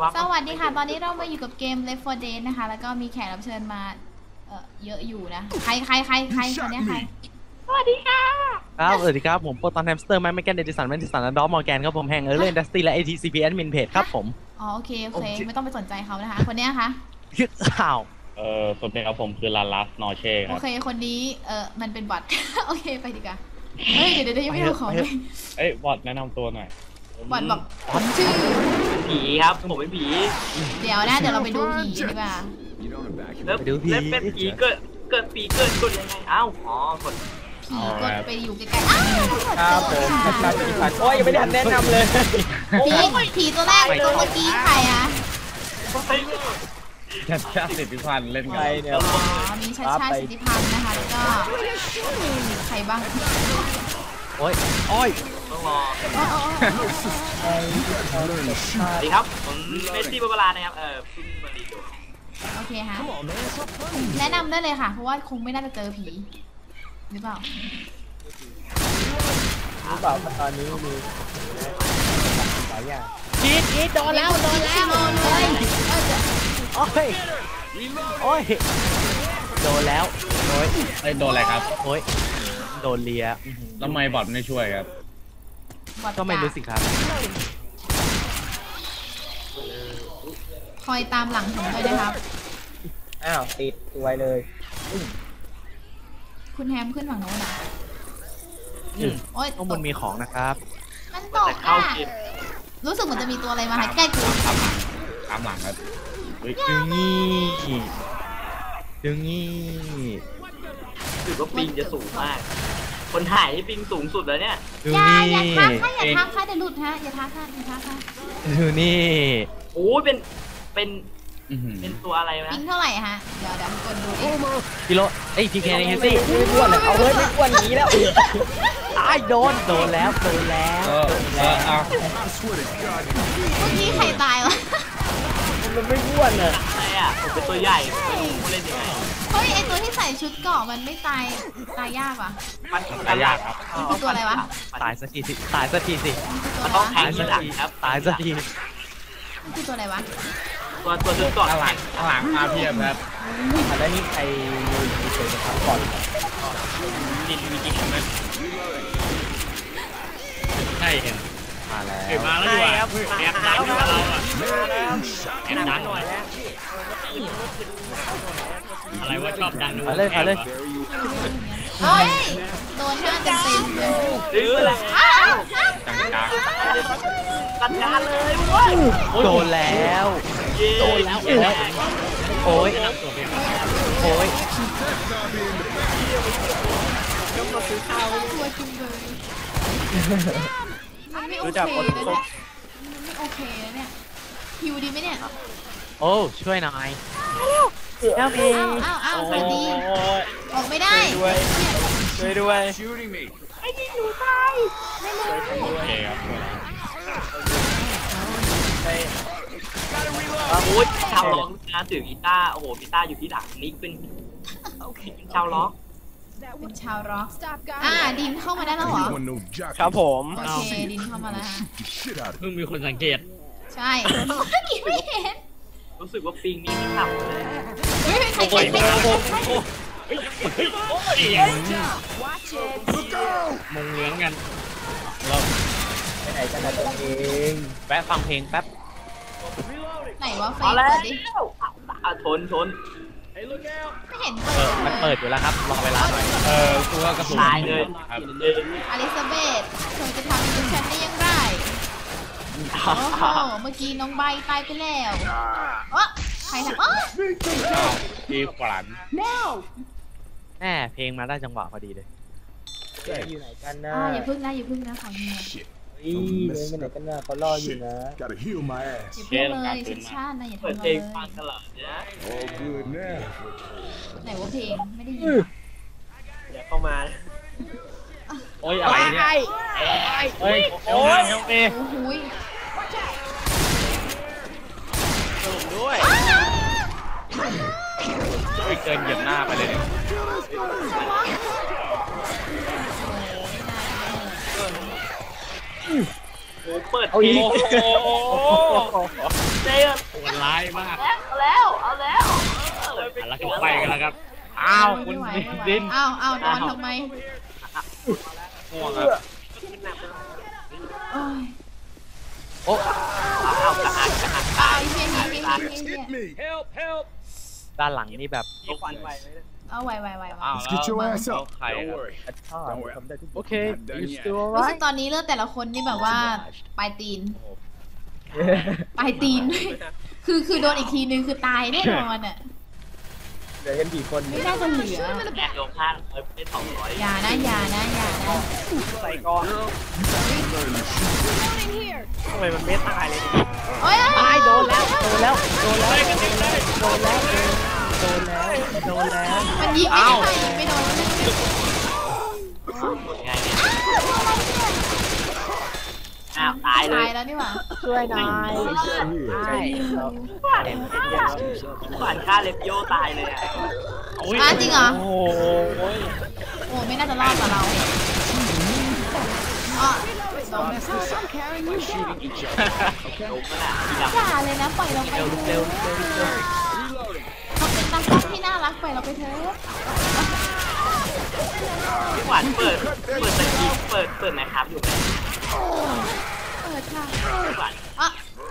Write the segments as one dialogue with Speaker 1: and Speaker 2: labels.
Speaker 1: วับ
Speaker 2: สวัสดีค่ะตอนนี้เรามาอยู่กับเกม Left 4 Dead นะคะแล้วก็มีแขกรับเชิญมาเยอะอยู่นะใครคนนี้ใครสวัสดีค่ะ
Speaker 3: ครับสวัสดีครับผมโปรตอนแฮมสเตอร์แมกแกนเดดิสันแมนดิสันและดอมมอร์แกนครับผมแห่งเล่นดัสตี้และ ATCP Admin Page ครับผม
Speaker 2: อ๋อโอเคไม่ต้องไปสนใจเขานะคะคนนี้ค่ะ
Speaker 3: ข่าว
Speaker 4: สวัสดีครับผมคือลาลัสนอเช่ครับ
Speaker 2: โอเคคนนี้มันเป็นบอทโอเคไปดีกว่าเฮ้ยเดี๋ยวยังไม่รู้ของเลย
Speaker 4: บอทแนะนำตัวหน่อย
Speaker 2: บอทบอกผมชื่อ
Speaker 1: ผีครับผมเป็นผี
Speaker 2: เดี๋ยวเราไปดูผีดีกว่า
Speaker 1: แล้วเป็นผีเกิดผีเกิดกดยังไงอ้าวอ๋อกด
Speaker 2: ผีกดไปอยู่ใกล้ๆอ้าว
Speaker 3: ครับผมโอ้ยยังไม่ได้แนะนำเลย
Speaker 2: ผีตัวแรกตัวเมื่อกี้ใครอะ
Speaker 4: ชาติสิทธิพันธ์เล่นไงเนี่ย
Speaker 2: มีชาติสิทธิพันธ์นะคะแล้วก็ใครบ้าง
Speaker 3: โอ้ย
Speaker 1: ต้องรอสวัสดีครับผมเมสซี่บาบาร่านะครับพึ่งมาดีดู
Speaker 2: โอเคฮะแนะนำได้เลยค่ะเพราะว่าคงไม่น่าจะเจอผีหรือเปล่า
Speaker 3: ตอนนี้มีหลายอย่างกีดโดนแล้วเลยโอ้ยโดนแล้ว
Speaker 4: โดนอะไรครับ
Speaker 3: โอ้ยโดนเลีย
Speaker 4: ทำไมบอทไม่ช่วยครับ
Speaker 3: ก็ไม่รู้สิครับ
Speaker 2: คอยตามหลังผมด้วยนะครับ
Speaker 3: อ้าวติดไวเลย
Speaker 2: คุณแฮมขึ้นฝั่งโน้นนะ
Speaker 3: โอ้ยข้างบนมีของนะครับ
Speaker 2: มันตกอ่ะรู้สึกเหมือนจะมีตัวอะไรมาใกล้กู
Speaker 4: ตามหลังครับ
Speaker 3: ดึงงี้
Speaker 1: ถือว่าปิงจะสูงมากคนถ่ายที่ปิงสูงสุดแล้วเนี่ย
Speaker 2: อย่าทักค่ะเดี๋ยวหลุดฮะอย่าทักค่ะ
Speaker 3: ดูนี่
Speaker 1: โอ้ยเป็นตัวอะไรนะ
Speaker 2: ปิงเท่าไหร่ฮะเดี๋ยวกดดู
Speaker 3: กิโลพีเคนี่สิไม่อ้วนเลยเอาเฮ้ยไม่อ้วนอย่างนี้แล้วตายโดนแล้ว
Speaker 2: เมื่อกี้ใครตายวะ
Speaker 3: มันไม่อ้วนเลย
Speaker 1: อะไรอ่ะผมเป็นตัวใหญ่ไม่รู้เล่นยังไง
Speaker 2: เฮ้ยไอตัวที่ใส่ชุดเกราะมันไม่ตายยากว่ะ
Speaker 1: ตายยากครับ
Speaker 2: มันตัวอะไรวะ
Speaker 3: ตายสักทีสิ
Speaker 1: มันต้องแทงที่หลังครับ
Speaker 3: ตายสักที
Speaker 2: มันคือตัวอะไรวะ
Speaker 1: ตัวชุดเกราะ
Speaker 4: ข้างหลังมาเพียบครับ
Speaker 3: แล้วนี่ใครมีเฉยๆครับก่อน
Speaker 1: มีจริงไหม
Speaker 4: ใช่เห็น
Speaker 3: มาแล้ว
Speaker 1: ดีกว่าแอบดันเราอ่ะแอบดันหน่อยแล้วอะไรว่าชอบดัน
Speaker 3: มาเลย
Speaker 2: เฮ้ยโดนหน้าเต็ม
Speaker 1: ซื้ออะไร
Speaker 4: จัง
Speaker 1: ตัดการเลยเว้ย
Speaker 3: โดนแล้วโอ้ย
Speaker 2: ต้องมาซื้อข้าวตัวจุ่มเลยมันไม่โอเคเลยไม่โอเคเนี่ยหิวดีไหมเนี่ย
Speaker 3: โอ้ช่วยหน่อย
Speaker 2: อ้าวสวัสดีออกไม่ได้
Speaker 3: ช่วยด้วย
Speaker 2: ไอ้ยิงหนูตายไม่เลย
Speaker 4: โอเคครับ
Speaker 1: โอ้ยชาวล็อกนะถือกีตาร์โอ้โหกีตาร์อยู่ที่หลังนิกเป็นชาวล็อก
Speaker 2: ดินเข้ามาได้แล้วเหรอ
Speaker 3: ครับผม
Speaker 2: โอเคดินเข้ามาแล้ว
Speaker 4: เพิ่งมีคนสังเกต
Speaker 2: ใช่ไม่เห็น
Speaker 1: รู้สึกว่าปิงนี่ไม่ขับเลย
Speaker 2: ใครมง
Speaker 4: เหลืองกัน
Speaker 3: เราไปไหนกันนะตัวเองแวะฟังเพลงแป๊บ
Speaker 2: ไหนวะไฟ
Speaker 1: เปิดดิชน
Speaker 2: ไม่เห็น
Speaker 3: มันเปิดอยู่แล้วครับรอเวลาหน่อย
Speaker 4: ตัวกระสุน
Speaker 1: ตายเลย
Speaker 2: อลิซาเบธเธอจะทำกับฉันได้ยังไงโอ้โหเมื่อกี้น้องใบตายไปแล้วใครทำ
Speaker 4: ดีขวัญ
Speaker 3: เพลงมาได้จังหวะพอดีเลยอยู่ไหนกันนะ
Speaker 2: อย่าพึ่งนะขอเฮีย
Speaker 3: ไปไหนกันนะเขารออยู่นะ
Speaker 2: อย่าพึ่งเลยชิดชาตินะอย่าทำเลย
Speaker 1: ฟังตลอดนะ
Speaker 2: ไหนว่าเพลงไม่ได้ยิน
Speaker 1: อย่าเข้ามา
Speaker 4: โอ้ยอะไรเนี่ยโอ้ยด้วยเกินเหยียบหน้าไปเลยเนี่ย
Speaker 1: โอ้เปิดเพลงเจน
Speaker 4: โหดร้ายมาก
Speaker 1: เอาแล้ว
Speaker 4: แล้วก็ไปกันแล้วครับอ้าวคุณ
Speaker 2: ไม่ไหว
Speaker 4: ดิน
Speaker 2: อ้าวอ้าวโดนทำไม
Speaker 4: ง่วงครับ
Speaker 2: โอ้ย
Speaker 3: โอ้
Speaker 1: เอากระหัก
Speaker 2: ตายเฮียเฮียเฮียเฮีย
Speaker 4: help help
Speaker 3: ด้านหลังนี่แบบ
Speaker 1: มีควันไฟไหม
Speaker 2: เอาไวไวไว
Speaker 4: อ้าว
Speaker 5: Let's get your ass
Speaker 4: แล้ว
Speaker 5: up.
Speaker 4: ใครครับ
Speaker 3: โอเค you still
Speaker 2: รู้
Speaker 3: alright
Speaker 2: สึกตอนนี้เลือดแต่ละคนนี่แบบว่าปลายตีนปลายตีน คือโดนอีกทีนึงคือตายแน่นอนอ่ะ
Speaker 3: เหลือกันกี่คน
Speaker 2: ไม่น่าจะเหลือ
Speaker 1: แอบลงข้างเป็น200
Speaker 2: อย่านะอย่านะอย่านะ
Speaker 3: ใส่ก่อนทำไมมันไม่ตายเลย
Speaker 2: โอ้ย
Speaker 3: ตายโดนแล้วโดนแล้วโดนแล้วโดนแล้วโดนแล้วโดนแล้ว
Speaker 2: มันยิงไม่ได้ยิงไม่โดน
Speaker 1: ยังไงเนี่ยอ้าวตายเล
Speaker 2: ตาย ยแล้วนี่หว่า
Speaker 3: ช่วยหน่อยใช่
Speaker 1: ผ่านค่าเลฟโยตายเลยอ่ะ
Speaker 2: อ้าจริงเหรอ
Speaker 3: โอ้ย
Speaker 2: โอ้ไม่น่าจะรอดกว่าเราอ๋อโดน
Speaker 1: ลงก็น่ะทีดำ
Speaker 2: อย่าเลยนะปล่อยเราไป
Speaker 3: เร็ว
Speaker 2: เถ
Speaker 3: เร็ว
Speaker 2: อะ
Speaker 3: เร็วเร็ว
Speaker 2: เขาเป็นตากล้องที่น่ารักปล่อยเราไปเถอะ
Speaker 1: พี่หวานเปิดสกีเปิดไหมครับอยู่ไหม
Speaker 2: เปิดค่ะ
Speaker 1: พี่หวาน
Speaker 2: อ๋อ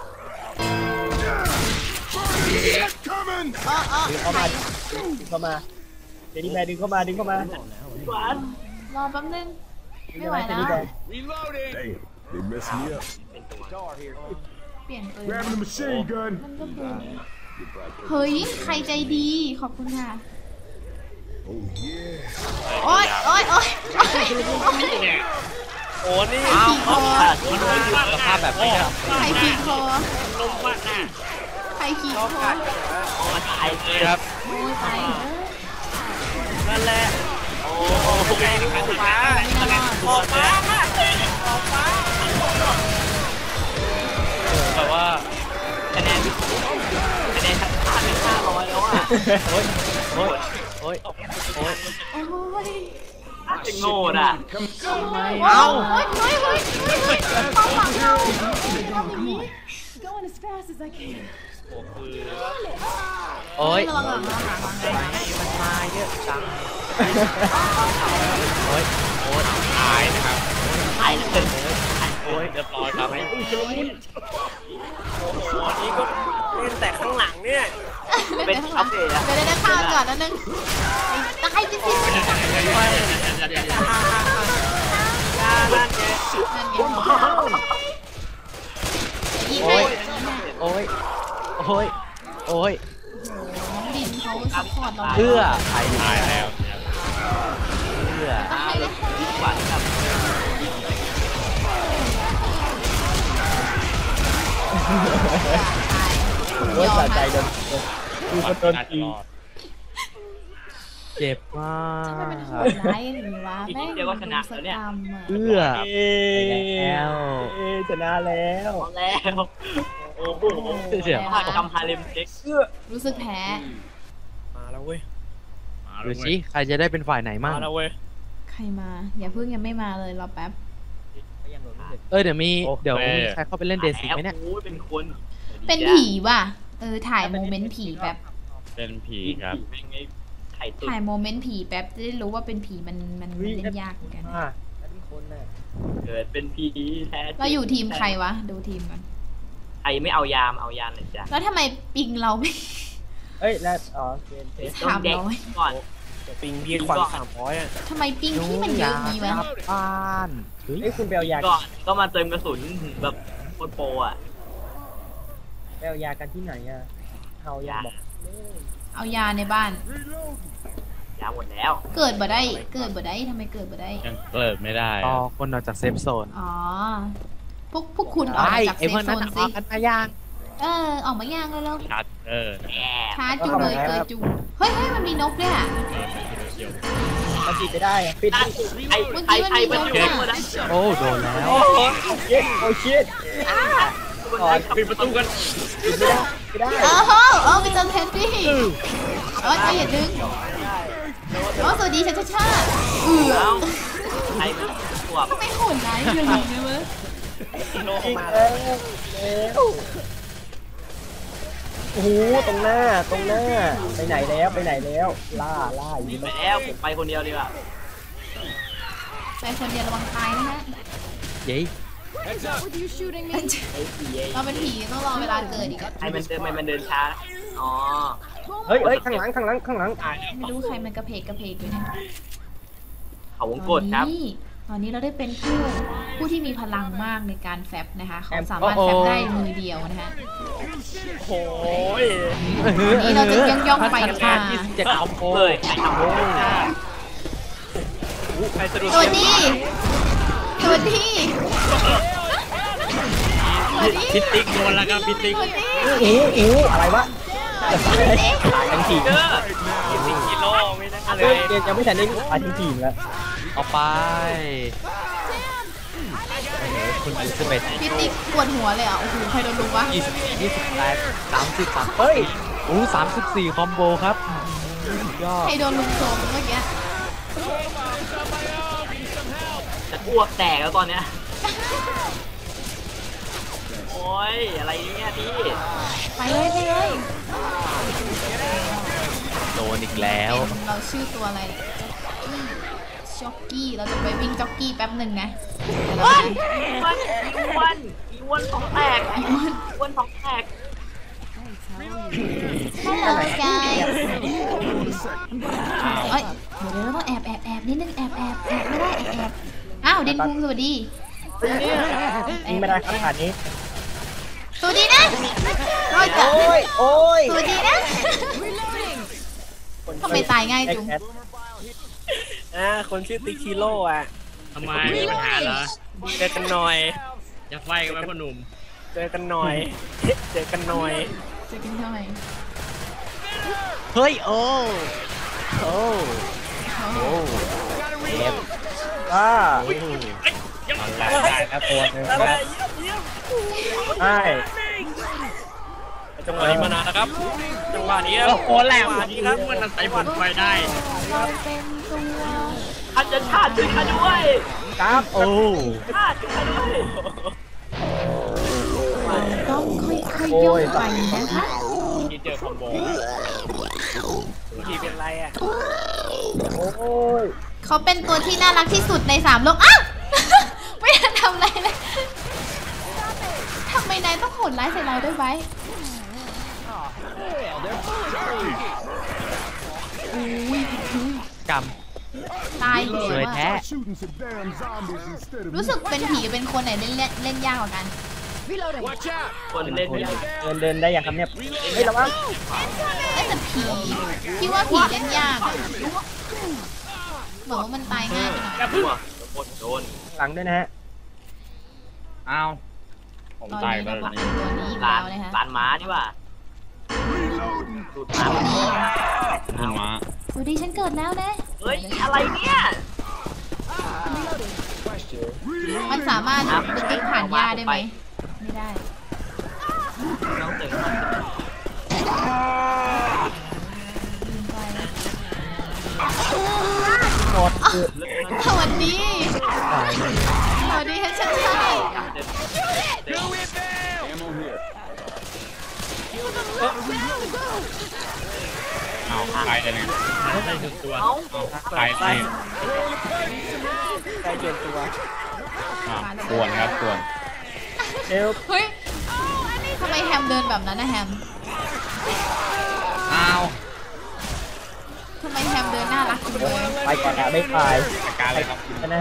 Speaker 5: Coming!
Speaker 2: อ๋ออ๋อ
Speaker 3: ดึงเข้ามาเจนี่แมนดึงเข้ามาดึงเข้ามา
Speaker 1: พี่หวาน
Speaker 2: รอแป๊บนึงไม่ไหวแล้ว
Speaker 4: reloading
Speaker 5: Damn, they messed me up.
Speaker 2: เปลี่ยนปืน
Speaker 5: Grabbing the machine gun.
Speaker 2: มันก็ปืนเฮ้ยใครใจดีขอบคุณค่ะ
Speaker 5: Oh yeah.
Speaker 2: โอ๊ยโอ๊ยโอ๊ยโอ๊ย
Speaker 3: โอ้นี่
Speaker 2: ใครขี่คอ
Speaker 3: สภาพแบบนี้ครับ
Speaker 2: ใครขี่คอ
Speaker 4: ลงมากหน้า
Speaker 2: ใครขี่คอ
Speaker 1: โอ้ตายเลย
Speaker 3: ครับ
Speaker 2: โอ้ยตายเออ
Speaker 3: นั่นแหละ
Speaker 1: โอ้
Speaker 3: แรงกันมา
Speaker 2: ไม่น่ารอด
Speaker 1: ออกมา
Speaker 3: แต่ว่า
Speaker 1: คะแนนทั้งค่าเป็น500แล้วอ่ะ
Speaker 3: โอ้ยโอ้ยโอ้ยโอ้ย
Speaker 2: โอ้ย
Speaker 1: เป็นโง่อ่ะ
Speaker 2: เอ้าเฮ้ยเฮ้ยเฮ้ยเฮ้ยเอาหลังเราทำอย่างนี้
Speaker 6: Going as fast as I can.
Speaker 3: โอ้ย
Speaker 2: ระวังหลังระวังหลังระวังหลัง
Speaker 3: มันมาเยอะจังโอ้ยโอ้ย
Speaker 4: ตายนะครับ
Speaker 1: ตายเลย
Speaker 3: โอ้ย
Speaker 4: เรียบร้อยครับ
Speaker 3: นี่ก็เล่นแต่ข้างหลังเนี่ย
Speaker 1: เป็นอัปเดตอะ
Speaker 2: เดี๋ยวได้ข้ามก่อนนะนึงตายจริงๆนั่นไง ยิง
Speaker 3: โอ้
Speaker 2: ให้
Speaker 3: ยโอ้ยโอ้ยโอ้ย
Speaker 2: น้องดินเขาซัพพอร์ตเรา
Speaker 3: เพื่อใคร
Speaker 4: ตายแล้ว
Speaker 3: เพื่อ
Speaker 2: ต้องให้เลย
Speaker 1: หวานกับ
Speaker 3: โอ้ยสะใจโดน
Speaker 4: ดูคนโดนตี
Speaker 3: เจ็บมาก
Speaker 2: ทำไมเป็นโหดร้ายอย่างนี้วะแม่งดูสกรรมอ่ะ
Speaker 3: เพื่อแล้วชนะแล้ว
Speaker 1: เอาแล้วโอ้โห
Speaker 3: เดี๋ยว
Speaker 1: ภาคกรรมฮาเลมเช็ค
Speaker 2: รู้สึกแพ้
Speaker 3: มาแล้วเว้ย
Speaker 4: มา
Speaker 3: ดู
Speaker 4: แล้วเว้
Speaker 3: สิ
Speaker 4: ย
Speaker 3: ใครจะได้เป็นฝ่ายไหนมั่ง
Speaker 4: มาแล้วเว้ย
Speaker 2: ใครมา อย่าเพิ่งยังไม่มาเลยรอแป๊บ
Speaker 3: เดี๋ยวมีใครเข้าไปเล่นเดซิไหมเนี่ย
Speaker 1: โอ้ยเป็นคน
Speaker 2: เป็นผีว่ะถ่ายโมเมนต์ผีแป๊บ
Speaker 4: เป็นผีครับ
Speaker 1: เป็นไงไข่ตุ๋น
Speaker 2: ถ่ายโมเมนต์ผีแป๊บจะได้รู้ว่าเป็นผีมันเล่นยากเหมือนกัน
Speaker 1: เกิดเป็นผีแท้
Speaker 2: เราอยู่ทีมใครวะ ดูทีมกัน
Speaker 1: ใครไม่เอายามเอายามเลยจ้ะ
Speaker 2: แล้วทำไมปิงเราไม่
Speaker 3: เอ้ยแล้วอ๋อเกม
Speaker 1: ต้องแดกก่อน
Speaker 3: ปิงพี่ควัน300อ่ะ
Speaker 2: ทำไมปิงที่มันเยอะงี้วะ
Speaker 3: บ้านเฮ้ยคุณเบลยา
Speaker 1: ก่อนก็มาเติมกระสุนแบบโคตรโปรอ่ะ
Speaker 3: เบลยากันที่ไหนอ่ะเฮายาบอก
Speaker 2: เอายาในบ้าน
Speaker 1: ยาหมดแล้ว
Speaker 2: เกิดบ่ได้ทำไมเกิดบ่ได้
Speaker 4: ยังเปิดไม่ได้
Speaker 3: อ๋อคนออกจากเซฟโซน
Speaker 2: อ๋อ พวกคุณออกมาจาก
Speaker 3: ไอ้
Speaker 2: เซ
Speaker 3: พว
Speaker 2: ฟ
Speaker 3: ก
Speaker 2: โซ
Speaker 3: นั้น
Speaker 2: น
Speaker 3: อ
Speaker 2: สิ
Speaker 3: อกกันมาย่าง
Speaker 2: ออกมาย่างเร็ว
Speaker 4: ชัด
Speaker 1: แอบ
Speaker 2: ๆช้าจูเลยเกิดจูเฮ้ยมันมีนกด้วยอ่ะ
Speaker 3: มันปิดไม่ได้ปิด
Speaker 1: ใครมันอยู่หมดนะ
Speaker 3: โอ้โดนแล้วโอ้ชิตโอ้ชิต
Speaker 1: ก่อน
Speaker 4: ปิดประตูกัน
Speaker 3: ปิดไม่ได้
Speaker 2: ไปเจอเทนดี้อย่าดึงสวัสดีชาชา
Speaker 1: แล้วใครมันขวบ
Speaker 2: ทำไมโหดร้ายอย่างนี้วะ
Speaker 3: โลมาแล้วโอ้โหตรงหน้าไปไหนแล้วล่าอยู่
Speaker 1: ไปแล้วผมไปคนเดียวดีกว่า
Speaker 2: ไปคนเดียวระวังตายนะฮะ
Speaker 3: เย้
Speaker 6: With you shooting me?
Speaker 2: เราเป็นผีต้องรอเวลาเกิดอีก
Speaker 1: ให้มันเดินช้าอ๋อ
Speaker 3: เฮ้ยข้างหลัง
Speaker 2: ไม่รู้ใครมันกระเพกอยู่เนี่ย
Speaker 1: เขาวงกดครับ
Speaker 2: ตอนนี้เราได้เป็นผู้ที่มีพลังมากในการแฟบนะคะเขาสามารถแฟบได้มือเดียวนะคะ
Speaker 4: โอ้ย
Speaker 2: วันนี้เราจะย่องไปมา
Speaker 3: 27คอมโบ
Speaker 1: เลยใครทำโอ้
Speaker 4: ใครสะดุด
Speaker 2: สวัสดี
Speaker 4: พิติ๊กโดนแล้วครับพิติ๊ก
Speaker 3: อูอะไรวะตายทั้งทีม
Speaker 4: พิติ๊กกิโลไม่ได้เล
Speaker 3: เฮ้ย
Speaker 4: ย
Speaker 3: ยังไม่ทันได้ตายทั้งทีมแล้วเอาไปคุณอลิซาเบธ
Speaker 2: พี่ติ๊กปวดหัวเลยอ่ะโอ้โหใครโดนลุงวะ
Speaker 3: 30เฮ้ย34คอมโบครับยอด
Speaker 2: ใครโดนลุงโจมเมื่อกี้
Speaker 1: จะอ้วกแตกแล้วตอนเนี้ยโอ้ยอะไรเนี่ยพี่
Speaker 2: ไปเลย
Speaker 3: โดนอีกแล้ว
Speaker 2: เราชื่อตัวอะไรจ็อกกี้เราจะไปวิ่งจ็อกกี้แป๊บหนึ่งนะเดี๋ยวเรา
Speaker 1: อ้วนท้องแตกอ้วนท้องแตก
Speaker 2: Hello guys เอ้ยเดี๋ยวเราต้องแอบนิดนึงแอบไม่ได้แอบอ้าวเดนคุงสวัสดี
Speaker 3: ยิงไม่ได้ครับผ่านนี้
Speaker 2: สวัสดีนะรอยจ้ะ
Speaker 3: โอ้ย
Speaker 2: สวัสดีนะทำไมตายง่ายจุง
Speaker 4: คนชื่อติ๊กชิโร่อะทำไมมีปัญหาเหรอเจอกันหน่อยจะไฟกันไหมพ่อหนุ่มเจอกันหน่อย
Speaker 2: จะกินทำไม
Speaker 3: เฮ้ยโอ้เจ็บว้าได้ครับตัวนึงครับใช่
Speaker 4: จังหวะนี้มานานแล้วครับจังหวะนี้โอ้โหแหลมนี้ครับมันใส่ผลไฟได้
Speaker 2: เราเป็นตัว
Speaker 1: อาจจะชาติด้วยกันด้วย
Speaker 3: ครับโอ้
Speaker 1: ชาติด้วยกันด้วย
Speaker 2: ต้องค่อยๆย่องไปนะคะ
Speaker 4: ที่เจอคอมโบที่เป็นไรอ่ะ
Speaker 3: โอ้ย
Speaker 2: เขาเป็นตัวที่น่ารักที่สุดใน3 โลกอ้าว ไม่ทันทำอะไรเลยทำไมนายต้องโหดร้ายใส่เราด้วยไว้
Speaker 3: กรรม
Speaker 2: ตายเลย
Speaker 3: สวยแท้
Speaker 5: Shooting some damn zombies instead of
Speaker 2: รู้สึกเป็นผีเป็นคนไหนเล่นยากกว่ากัน
Speaker 1: คนเล่นไม่ได้
Speaker 3: เดินได้อย่างครับเนี่ยเฮ้ยระวัง
Speaker 2: แต่ผีพี่ว่าผีเล่นยากอะเหมือนว่ามันตายง่ายไปหน่อย
Speaker 1: อ้วกโดน
Speaker 3: หลังด้วยนะฮะ
Speaker 4: อ้าวผม
Speaker 2: ตอน
Speaker 4: ตาย
Speaker 2: นี้
Speaker 4: ไป
Speaker 2: เรา
Speaker 4: แล้ว
Speaker 2: เป็นตัวนี้อีก
Speaker 1: ลา
Speaker 2: แล้
Speaker 1: น
Speaker 2: วนะคะ
Speaker 1: ลานม้าดีกว่าดูดม้า
Speaker 4: คุณม้า
Speaker 2: สวัสดีฉันเกิดแล้วนะ
Speaker 1: เฮ้ยอะไรเนี่ย
Speaker 2: มันสามารถดึงผ่านหญ้าได้ไหมไม่ได้
Speaker 1: น้องเต๋อ
Speaker 2: ลืมไป
Speaker 3: หมด
Speaker 2: สวัสดี
Speaker 3: ตายเลย
Speaker 2: สวัสดีฉันชาย
Speaker 4: เอาตายเลยได้ถึงตัว
Speaker 1: เอ้า
Speaker 4: ตายได้
Speaker 3: ใกล้เปลี่ยนตัว
Speaker 4: ส่วนครับส่วน
Speaker 3: เร็ว
Speaker 2: เฮ้ยทำไมแฮมเดินแบบนั้นนะแฮม
Speaker 4: อ้าว
Speaker 2: ทำไมแฮมเดินน่ารักจังเลย
Speaker 3: ไปก่อนนะไม่ไป
Speaker 4: จัดการเลยครับ
Speaker 3: นะ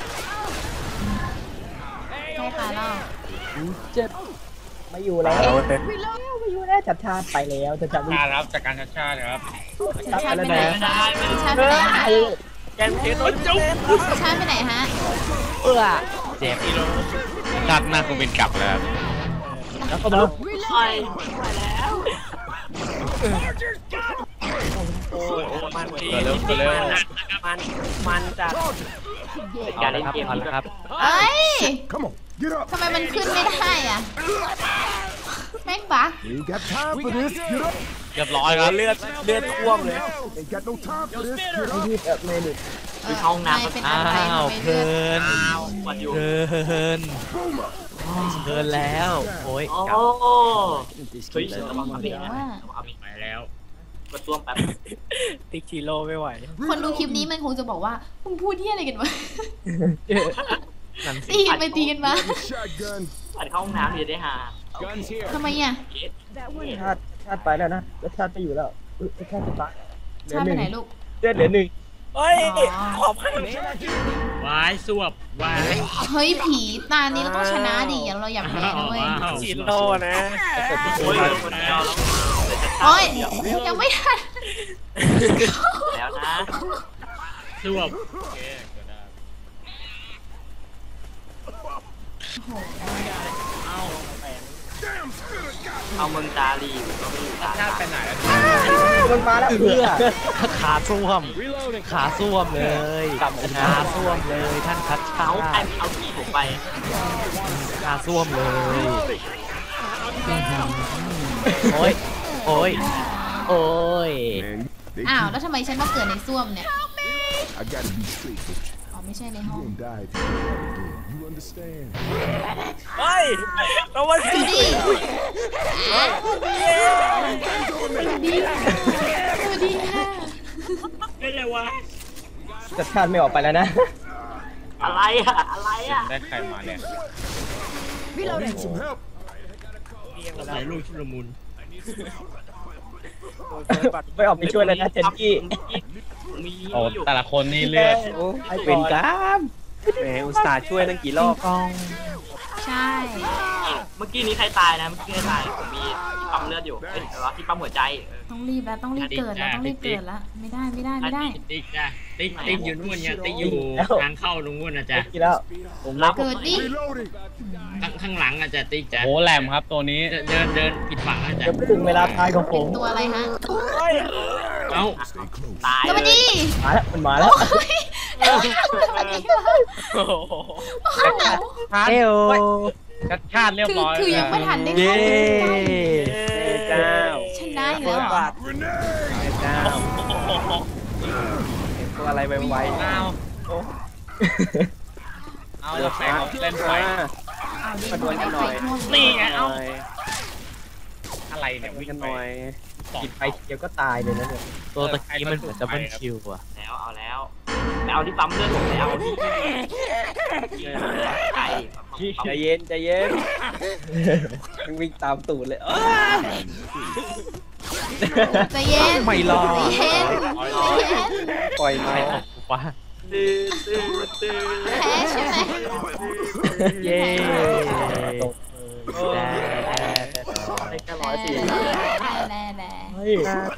Speaker 2: ใช่ค่ะเรา
Speaker 3: เจ็บไม่อยู่แล้วไม่อยู่แล้วจัดชาติไปแล้วจัดชาติ
Speaker 4: การรับจากการชัดชาติครับ
Speaker 2: ชาติไปไหน
Speaker 1: ไม่ได้
Speaker 2: ชาติไปไหนฮะ
Speaker 4: แกนเทสโอ้จุ๊บ
Speaker 2: ชาติไปไหนฮะ
Speaker 3: เจ็บ
Speaker 4: กิโลชาติหน้าคงเป็นกลับแล้ว
Speaker 3: แล้วก็มา
Speaker 1: ไปแล้ว
Speaker 4: โอ้มันเร็วเร็วมันจัด
Speaker 1: เป็น
Speaker 3: เอา
Speaker 1: การ
Speaker 3: เล
Speaker 1: เล่
Speaker 3: ย
Speaker 1: น
Speaker 3: ครับ
Speaker 1: เกม
Speaker 3: เอาเลยครับ
Speaker 2: เอ้ย
Speaker 5: Come on, get up.
Speaker 2: ทำไมมันขึ้นไม่ได้อ่ะแม่งบัก
Speaker 5: You got time for this? Get up.
Speaker 4: เรียบร้อยครับเลือดท่วมเลย
Speaker 5: Ain't got no time for this. Get
Speaker 3: ไม่
Speaker 5: up.
Speaker 3: ยืดไม่หลุด
Speaker 1: คือเข้าห้องน้ำ
Speaker 2: เป็น
Speaker 3: อ้า
Speaker 2: อะไร
Speaker 3: ว
Speaker 2: ทำไม
Speaker 3: เพ
Speaker 2: เลื
Speaker 3: ลิ
Speaker 2: อด
Speaker 3: น
Speaker 1: อ้าวกดอยู่
Speaker 3: เพลินเพลินแล้วโอ้ย
Speaker 1: โอ้
Speaker 3: กลับ
Speaker 1: เฮ้ยระวังเอาเองนะระวังเอาเอง
Speaker 4: ไปแล้ว
Speaker 1: กดต้วมแป๊บ
Speaker 4: ติ๊กชิโร่ไม่ไหว
Speaker 2: คนดูคลิปนี้มันคงจะบอกว่ามึงพูดที่อะไรกันวะ
Speaker 3: นั่นสิ
Speaker 2: ตีกันไปตีกันมา
Speaker 5: Shotgun.
Speaker 1: ปัดเข้าห้องน้ำเดี๋ยวได้หา
Speaker 5: Guns here.
Speaker 2: ทำไมอ่ะ
Speaker 6: That one.
Speaker 3: ชาติไปแล้วนะแล้วชาติไปอยู่แล้วชาติจะตาย
Speaker 2: ชาติไปไหนลูก
Speaker 3: เหลือหนึ่ง
Speaker 4: เฮ้ย
Speaker 2: อ๋อ
Speaker 4: ขอบคุณวายสวบวาย
Speaker 2: เฮ้ยผีตานี้เราต้องชนะดิอย่าเราอย่าแพ้นะเว้ย
Speaker 4: ชิโร่นะ
Speaker 1: โอ้ยคนเดียวแล้ว
Speaker 2: โอ้ยยังไม่ทัน
Speaker 1: แล้วนะ
Speaker 4: สวบ
Speaker 1: เอาเมืองตาลีก็ไม่รู้ตา
Speaker 4: ชาติไปไหนแล้ว
Speaker 3: มันมาแล้วเพื่อขาส้วมขาส้วมเลยขาส้วมเลยท่านคัดชา
Speaker 1: เอาใครเอาที่ผมไป
Speaker 3: ขาส้วมเลยโอ้ยโอ้ยโอ้ย
Speaker 5: Man, they
Speaker 2: อ้าว
Speaker 5: keep-
Speaker 2: แล้วทำไมฉันมาเกิดในส้วมเนี่ย
Speaker 5: I gotta be straight with you.
Speaker 2: อ๋อไม่ใช่ใน
Speaker 5: You
Speaker 2: ห้อง
Speaker 5: gonna die if you do that again. You understand?
Speaker 4: เฮ้ยเราวัน
Speaker 2: จูดี้สวัสดีค่ะ
Speaker 4: เป็นไรวะ
Speaker 3: จัดชาติไม่ออกไปแล้วนะ
Speaker 1: อะไรอะอะไรอะ
Speaker 3: ได้ใครมาเนี่ย
Speaker 5: Need some help.
Speaker 4: ใส่ลูกชุลมุน
Speaker 3: ไม่ออกไปช่วยเลยนะเจนกี้
Speaker 1: มี
Speaker 3: โอ้
Speaker 1: อยู่
Speaker 3: แต่ละคนนี่เลือดเป็นกราม
Speaker 4: แหมอุตส่าห์ช่วยตั้งกี่รอบ
Speaker 3: กอง
Speaker 2: ใช่
Speaker 1: เมื่อกี้นี้ใครตายนะเมื่อกี้ใครตายผมมีที่ปั๊มเลือดอยู่เอ้ยที่ปั๊มหัวใจ
Speaker 2: ต้องรีบแล้วต้องรีบเกิดแล้วต้องรีบเกิดแล้วไม่ได้ไม่ได้ไม่ได้
Speaker 4: ติ๊กจ้ะติ๊กอยู่นู่นเนี่ยติ๊กอยู่ทางเข้าตรงนู้นนะจ๊ะ
Speaker 3: กี่แล้ว
Speaker 1: ผมรับ
Speaker 2: เกิดดิ
Speaker 5: Reloading.
Speaker 4: ข้างหลังอ่ะจ๊ะติ๊กจ้ะ
Speaker 3: โอ้แหลมครับตัวนี้
Speaker 4: เดินผิดฝั่งนะจ๊ะ
Speaker 3: จะถึงเวลาตายของผ
Speaker 2: เป็น
Speaker 3: ม
Speaker 2: ตัวอะไรฮะ
Speaker 4: เอ้า
Speaker 5: Stay close.
Speaker 1: ตาย
Speaker 2: สวัส
Speaker 1: เลย
Speaker 2: ดี
Speaker 3: มาแล้วมันมาแล้ว
Speaker 2: โอ้ยสวัสดีค่ะ
Speaker 4: โอ้โห
Speaker 2: โอ้โห
Speaker 3: เอว
Speaker 4: ชัดชาติเรียบร้อย
Speaker 2: คือยังไม่ทันได้
Speaker 3: เย้
Speaker 2: เข้า
Speaker 4: เจ้า
Speaker 2: ชนะอีกแล้วเหรอ
Speaker 5: Grenade.
Speaker 4: เจ้าตัวอะไรไวๆเอาแฟนเล่นไฟ
Speaker 2: เอาดิมันได้ไฟท่วม
Speaker 4: นี่ไงเอาอะไรเนี่ยวิ่งหน่อย
Speaker 3: กินไปเดียวก็ตายเลยนะเนี่ยตัวตะกี้มันเหมือนดับเบิลคิวอ่ะ
Speaker 1: แล้วเอาแล้วไปเอาที่ปั๊มเลือดผมไปเอาที่ไก่
Speaker 4: ใจเย็นใจเย็นวิ่งตามตูดเลย
Speaker 2: ใจเย็น
Speaker 3: ไม่รอ
Speaker 2: ใจเย็นใจเย็น
Speaker 4: ปล่อย
Speaker 3: ใคร
Speaker 4: มา
Speaker 3: ออกกูวะ
Speaker 1: ตื้อตื้อตื้อ
Speaker 2: แพ้ใช่ไหม
Speaker 3: เย้
Speaker 1: ได้แค่140
Speaker 2: แน่แน่
Speaker 3: เฮ้ย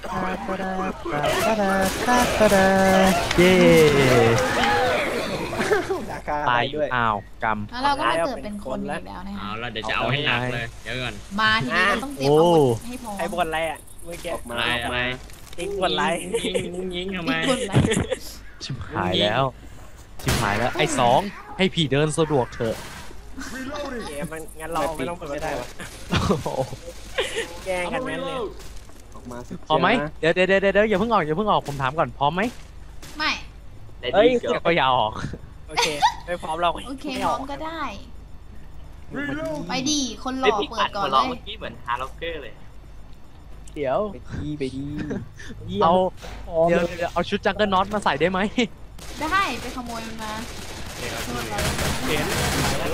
Speaker 3: เย้ตายด้วยอ้าวกำ
Speaker 2: แล้วเราก็มาเกิดเป็นคนอีกแล้วนะ
Speaker 4: เอา
Speaker 2: คะ
Speaker 4: ละเดี๋ยวจะเอาให้หนักเลยเดี๋ยวก่อน
Speaker 2: มาทีนี้เราต้องเตรียมอาวุธให้พร้อม
Speaker 4: ไอ้บอลอะไรอ่ะเมื่อกี้ออกมายิงบอลอะไรยิงทำไม
Speaker 2: อีกคนละ
Speaker 3: ชิบหายแล้วชิบหายแล้วไอ้สองให้ผีเดินสะดวกเถอะ
Speaker 5: Reloading.
Speaker 4: เกมมันงั้นเราไม่ต้องเปิดไม่ได้วะแกล้งกันนั้นเลยออกมา
Speaker 3: พร้อมไหมเดี๋ยวอย่าเพิ่งออกผมถามก่อนพร้อมไหม
Speaker 2: ไม่
Speaker 1: ได้
Speaker 3: เอ้ย
Speaker 1: ดีเกือบ
Speaker 3: ก็อย่าออก
Speaker 4: โอเคไม่พร้อมเรา
Speaker 2: โอเคพร้อมก็ได้
Speaker 5: Reload.
Speaker 2: ไปดีคนหล่
Speaker 1: ไอ้
Speaker 2: อ
Speaker 1: พี่
Speaker 2: เปิ
Speaker 1: อั
Speaker 2: ด
Speaker 1: ด
Speaker 2: ก่อ
Speaker 1: หัวน เราะ
Speaker 2: เล
Speaker 1: เมื่อย กี้เหมือนฮาร์ล็อกเกอร์เลย
Speaker 3: เดี๋ยว
Speaker 4: ไปดี
Speaker 3: เอาเดี๋ยวเอาชุดจังเกิลน็อตมาใส่ได้ไหม
Speaker 2: ได้ไปขโมยมันมาโทษเรา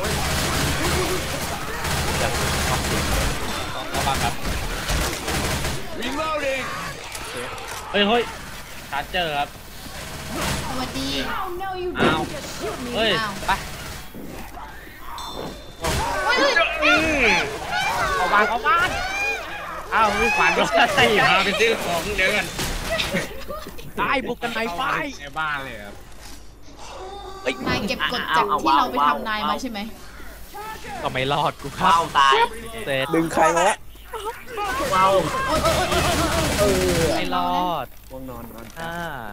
Speaker 4: ระวังครับ
Speaker 5: Reloading.
Speaker 4: เฮ้ยชาร์เจอร์ครับ
Speaker 2: สวัสดี
Speaker 6: Oh no, you
Speaker 4: Ow.
Speaker 6: didn't just shoot me.
Speaker 4: เฮ้ย
Speaker 2: อ้าว
Speaker 4: ไป
Speaker 2: เฮ้ย
Speaker 4: เอาบ้านอ้าวมีฝันว่าจะตีพาไปซื้อของเดี๋ยวกัน
Speaker 3: ตายบุกกันในไฟ
Speaker 4: ในบ้านเลยครับ
Speaker 2: นายเก็บกดจากที่เราไปทำนายมาใช่ไหม
Speaker 3: ก็ไม่รอดกูครั
Speaker 1: ว้า
Speaker 3: บ
Speaker 1: วตาย
Speaker 3: เสร็จ
Speaker 4: ดึงใครมา
Speaker 1: ว้าว
Speaker 2: โอ๊ย
Speaker 3: ไม่รอด
Speaker 4: วงนอน
Speaker 3: อ่า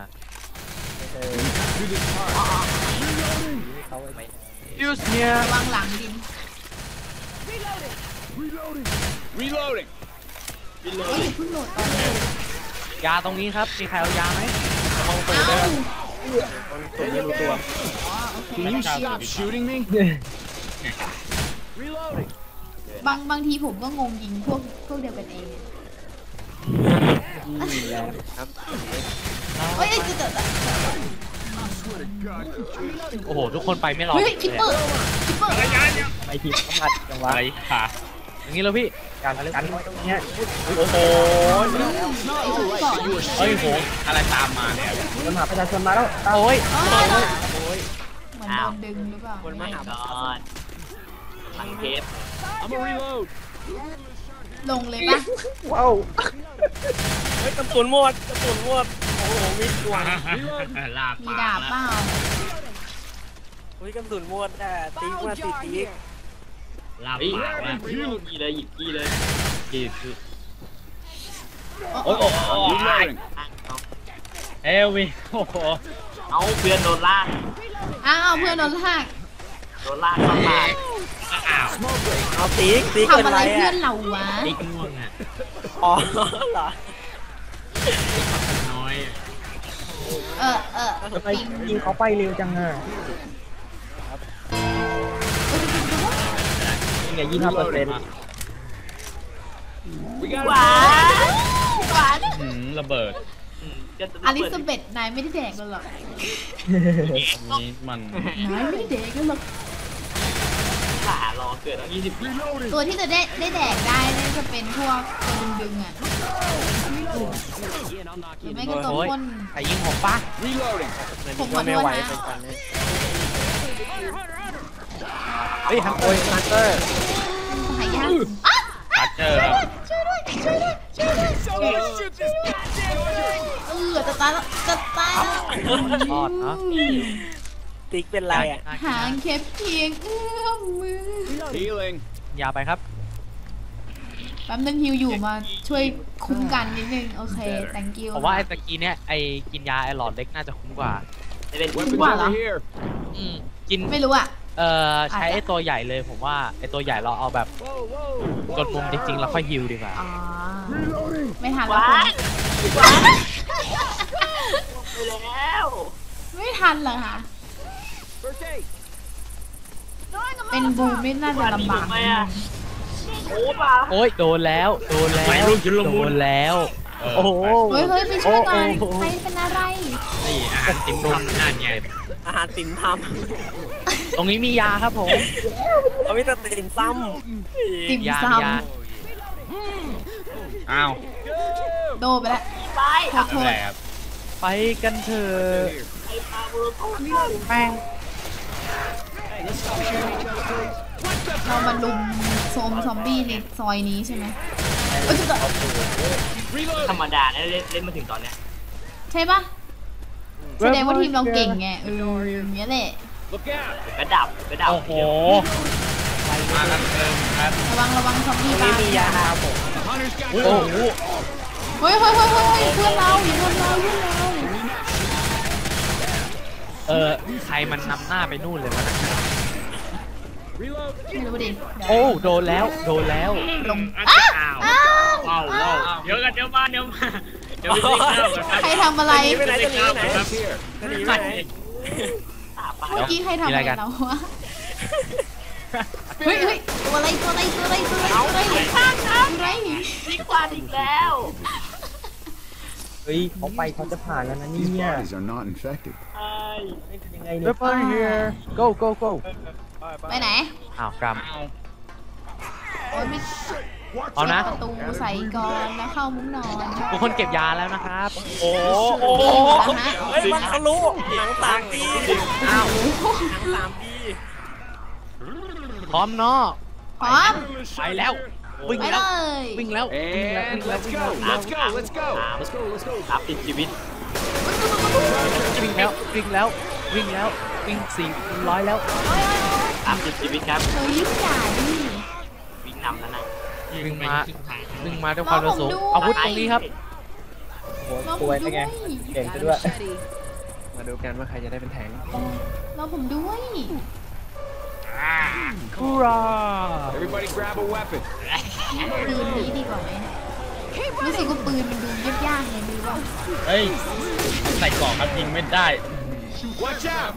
Speaker 3: ยูสเนี่ย
Speaker 2: ระวังหลังดิน
Speaker 5: Reloading.
Speaker 1: Reloading
Speaker 2: เฮ้ยเพิ่งโหลดตอนนี้
Speaker 3: ยาตรงนี้ครับมีใครเอายาไหมระวังปืน
Speaker 2: เอ้า
Speaker 3: ด้วยผมไม่รู้ตัว
Speaker 5: Can you stop shooting me? Reloading.
Speaker 2: บางทีผมก็งงยิงพวกเดียวกันเอง
Speaker 3: ครับ
Speaker 2: เฮ้ยจะ
Speaker 7: โอ้โหทุกคนไปไม่รอ
Speaker 2: เฮ้ยคิปเปอร์
Speaker 3: ไอทีมเข้ามาจังหวะ
Speaker 7: อะไรค่ะอย่างนี้แล้วพี่
Speaker 3: การไว้ตรงเนี้ย
Speaker 7: โอ้โห
Speaker 2: ไอ้ชุดก่อน
Speaker 7: เฮ้ยโหอะไรตามมาเนี่ย
Speaker 3: คนหาประชาชนมาแล้ว
Speaker 7: โอ้ย
Speaker 2: เหมือนโดนดึงหรือเปล่า
Speaker 4: คนมาหา
Speaker 1: ก่อนทางเทป
Speaker 5: I'm a reload.
Speaker 2: ลงเลยปะ
Speaker 3: ว้าว
Speaker 4: เฮ้ยกระสุนหมดโอ้โหมีดวง
Speaker 7: ลาบ
Speaker 2: มีดาบเปล่า
Speaker 4: เฮ้ยกระสุนหมดแต่ตีมาตี
Speaker 7: ลาบ
Speaker 1: เฮ้ย
Speaker 7: ปากแล้ว
Speaker 1: กี้เลยหยิบกี้เลย
Speaker 7: กีคือ
Speaker 2: โอ้โห
Speaker 5: Reloading.
Speaker 7: เอวิโอ้โห
Speaker 1: เอาเพื่อนโดนลาก
Speaker 2: อ้าวเพื่อนโดนลาก
Speaker 1: โดนลากเข้ามา
Speaker 7: อ้าว
Speaker 4: เอาตีเกิน
Speaker 2: ทำอะไร
Speaker 4: ไร
Speaker 2: เพื่อ
Speaker 4: อ่ะ
Speaker 2: นเราวะ
Speaker 7: ติ๊กง่วงอ่ะ
Speaker 4: อ๋อเหรอ
Speaker 7: น้อย
Speaker 3: ทำไมยิงเขาไปเร็วจังอ่ะยังไง25%
Speaker 1: หวาน
Speaker 7: ระเบิด
Speaker 2: อลิซาเบธนายไม่ได้แดกกันหรอก
Speaker 7: นี่มัน
Speaker 2: นายไม่ได้แดกกันหรอก
Speaker 1: ขารอเกิดตั้ง20
Speaker 5: Reloading.
Speaker 2: ตัวที่จะได้แดกได้เนี่ยจะเป็นพวกตัวดึงๆอ่ะหรือไม่ก็ตัวพ่น
Speaker 7: ใครยิงผมปะ
Speaker 5: Reloading.
Speaker 2: ผมขอโท
Speaker 4: ไม่
Speaker 2: ษ
Speaker 4: ไหว
Speaker 2: นะ
Speaker 4: ไปก่อนเลย
Speaker 3: เฮ้ยฮันโอยฮันเตอร์
Speaker 2: หายากอ่ะ
Speaker 7: ตัดเจอครับ
Speaker 2: ช่วยด้วยจะตายแล้ว
Speaker 3: รอดเนาะ
Speaker 4: ติ๊กเป็นไรอ่ะ
Speaker 2: ห่างแค่เพียงเอื้อมมือ
Speaker 5: Healing.
Speaker 7: ยาไปครับ
Speaker 2: แป๊บนึงฮิวอยู่มาช่วยคุ้มกันนิดนึงโอเค thank you
Speaker 7: ผมว่าไอ้ตะกี้เนี่ยไอ้กินยาไอ้หลอดเล็กน่าจะคุ้มกว่า
Speaker 1: จะเป็น
Speaker 5: Weapons
Speaker 2: Wow.
Speaker 5: over here.
Speaker 7: กิน
Speaker 2: ไม่รู้อ่ะ
Speaker 7: ใช้ไอ้ตัวใหญ่เลยผมว่าไอ้ตัวใหญ่เราเอาแบบ
Speaker 5: Whoa, whoa.
Speaker 7: กดมุมจริงๆแล้วค่อยฮิวดีกว่า
Speaker 2: อ๋อ
Speaker 5: Reloading.
Speaker 2: ไม่ทัน
Speaker 1: ห
Speaker 2: แล้ว
Speaker 1: วาน
Speaker 2: คุณ
Speaker 1: หวานไปแล้ว
Speaker 2: ไม่ทันเหรอคะ
Speaker 5: First aid.
Speaker 2: เป็นบูไม่น่าจะลำบาก
Speaker 1: ทำไม
Speaker 2: นิดนึ
Speaker 1: อ่ะ
Speaker 2: ง
Speaker 1: โอ้ป่ะ
Speaker 7: โอ้ยโดนแล้วโดนแล้วโดนแล้วโอ้โห
Speaker 2: เฮ้ยไปช่วยหน่อยใครเป็นอะไร
Speaker 7: นี่อาหารติ่มทำนั่นไง
Speaker 4: อาหารติ่มท
Speaker 7: ตรงนี้มียาครับผม
Speaker 4: ำเขาไม่แต่ติ่มซ้
Speaker 2: ติ่ม
Speaker 7: ยา
Speaker 2: ซ
Speaker 7: มียาอ้าว
Speaker 2: ำโดนไปแล้ว
Speaker 1: ไป
Speaker 2: ขอโทษ
Speaker 7: แบบไปกันเถอะ
Speaker 1: ไอ้ปลาเวอร์โคตร
Speaker 7: แป้ง
Speaker 2: เรามาลุมโซมซอมบี้ในซอยนี้ใช่ไหมเอ้ยจะ
Speaker 1: ธรรมดานะเล่นมาถึงตอนเนี้ย
Speaker 2: ใช่ปะแสดงว่าทีมเราเก่งไงอย่างเงี้ยแหละ
Speaker 5: Look out.
Speaker 1: กระดับกระดับ
Speaker 7: โอ้โหมากันเติมครับ
Speaker 2: ระวังซอมบี้
Speaker 4: ำ
Speaker 2: บ้า
Speaker 4: ไม่มียาครับผม
Speaker 5: The hunter's got
Speaker 7: โอ้โห
Speaker 2: เฮ้ยเพื่อนเราเพื่อนเรา
Speaker 7: ใครมันนำหน้าไปนู่นเลยวะนะ
Speaker 5: reload.
Speaker 2: ไม่รู้ดิ
Speaker 7: โอ้โดนแล้วโดนแล้ว
Speaker 2: ลง
Speaker 7: อ้า
Speaker 2: อ้าว
Speaker 7: ว้าวว้าวเดี๋ยวกันเดี๋ยวมาเดี๋ยวมาเดี๋ยวไปกินข้าวกันครับ
Speaker 2: ใครทำอะไร
Speaker 4: ไปไหนจะหนีไปไหน
Speaker 5: It's here.
Speaker 4: จะหนีไปไหน
Speaker 1: ตาปลา
Speaker 2: เมื่อกี้ใครทำอะไรเราวะเฮ้ยตัวอะไรอะไร
Speaker 1: ดีกว่าอีกแล้ว
Speaker 3: เฮ้ยเขาไปเขาจะผ่านแล้วนะเนี่
Speaker 5: These
Speaker 3: ย
Speaker 5: bodies are not infected.
Speaker 1: ไอ้
Speaker 3: ยังไงเนี่ย Weapon here go go go
Speaker 2: ไปไหน
Speaker 7: อ้าวกรรม
Speaker 2: โอ้ยไม่
Speaker 7: เอานะ
Speaker 2: ประตูใส่ก่อนแล้วเข้ามุ้งนอน
Speaker 7: ทุกคนเก็บยาแล้วนะครับ
Speaker 4: โอ้โหเฮ้ยมันทะลุหนังสามปี
Speaker 7: อ้าว
Speaker 4: หนัง3 ปี
Speaker 7: พร้อมเนาะ
Speaker 2: พร้อม
Speaker 7: ไปแล้ววิ่ง
Speaker 2: ไป
Speaker 7: แล้
Speaker 2: เล
Speaker 7: วย วิ่งแล้ว
Speaker 5: And let's go. Let's go. Let's go. Let's go. Let's go.
Speaker 1: รับติดชีวิต
Speaker 7: วิ่งแล้ววิ่ง400แล้ว
Speaker 1: รับติดชีวิตครับ
Speaker 2: เฮ้ยยิ่งใหญ่
Speaker 1: วิ่งนำแล้วนะ
Speaker 7: วิ่งมาด้วยความเร็วสูงอาวุธตรงนี้ครับ
Speaker 3: โอ้โหสวยได้ไงเก่งซะด้วย
Speaker 4: มาดูกันว่าใครจะได้เป็นแทง
Speaker 2: เราผมด้วย
Speaker 7: ฮูรา
Speaker 5: Everybody grab a weapon.
Speaker 2: ปืนนี้ดีกว่าไหมรู้สึกว่าปืนมันดูยากๆไงดูว่า
Speaker 7: เฮ้ยใส่กล่องครับยิงไม่ได้
Speaker 2: เ
Speaker 5: Watch out!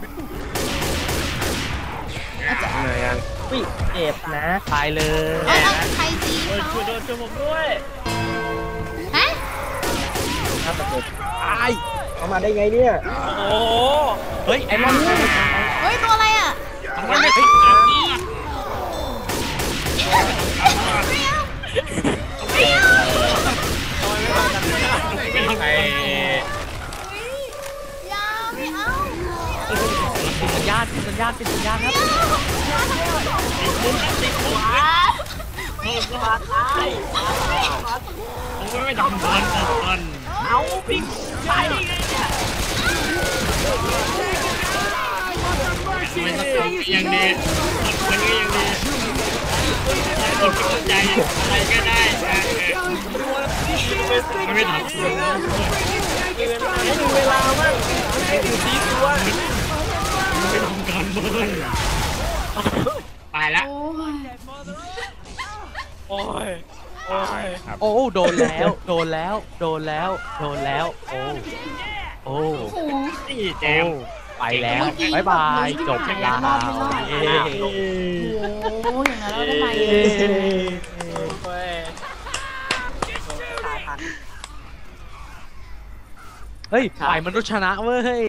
Speaker 3: เหนื่อยยังวิ่งเจ็บนะ
Speaker 7: ตายเลย
Speaker 2: เอาใครตี
Speaker 4: เฮ้ย
Speaker 2: เขา
Speaker 4: ช่วยด้วยช่วยผมด้วย
Speaker 2: ฮะ
Speaker 3: ถ้าประตู
Speaker 7: ตาย
Speaker 3: เขามาได้ไงเนี่ย
Speaker 4: โอ้โห
Speaker 7: เฮ้ยไอ้มอน
Speaker 2: เฮ้ยตัวอะไรอ่ะ
Speaker 4: ทำไมไม่ถึงอ่ะ เป็นไง
Speaker 2: ยาไม่เอา
Speaker 7: ปิดสัญญาณปิดสัญญาณปิดสัญญาณครับ
Speaker 4: มุมติดหัว
Speaker 1: มาตาย
Speaker 4: ผมไม่ทำบอล
Speaker 1: เอาพี่ตายได้ไงเนี่ย
Speaker 4: ไม่ต้องยังดีมันก็ยังดีกดกำลังใจอะไรก็ได้ไม่ทำ
Speaker 3: ให้ดูเวลามากให้ดูซีตัว
Speaker 4: ไม่ทำการเบิร์นตายละ
Speaker 2: โอ้ย
Speaker 4: โอ้ย
Speaker 7: โอ้โดนแล้วโดนแล้วโดนแล้วโดนแล้วโอ้โอ้
Speaker 2: โอ้โห
Speaker 4: นี่แจ
Speaker 7: โอ้
Speaker 4: ม
Speaker 7: ไปแล้วบายบายจบแล้วเย้
Speaker 2: โอ้อย่างนั้นเราได้ไหม
Speaker 7: เฮ้ยฝ่ายมนุษย์ชนะเว้ย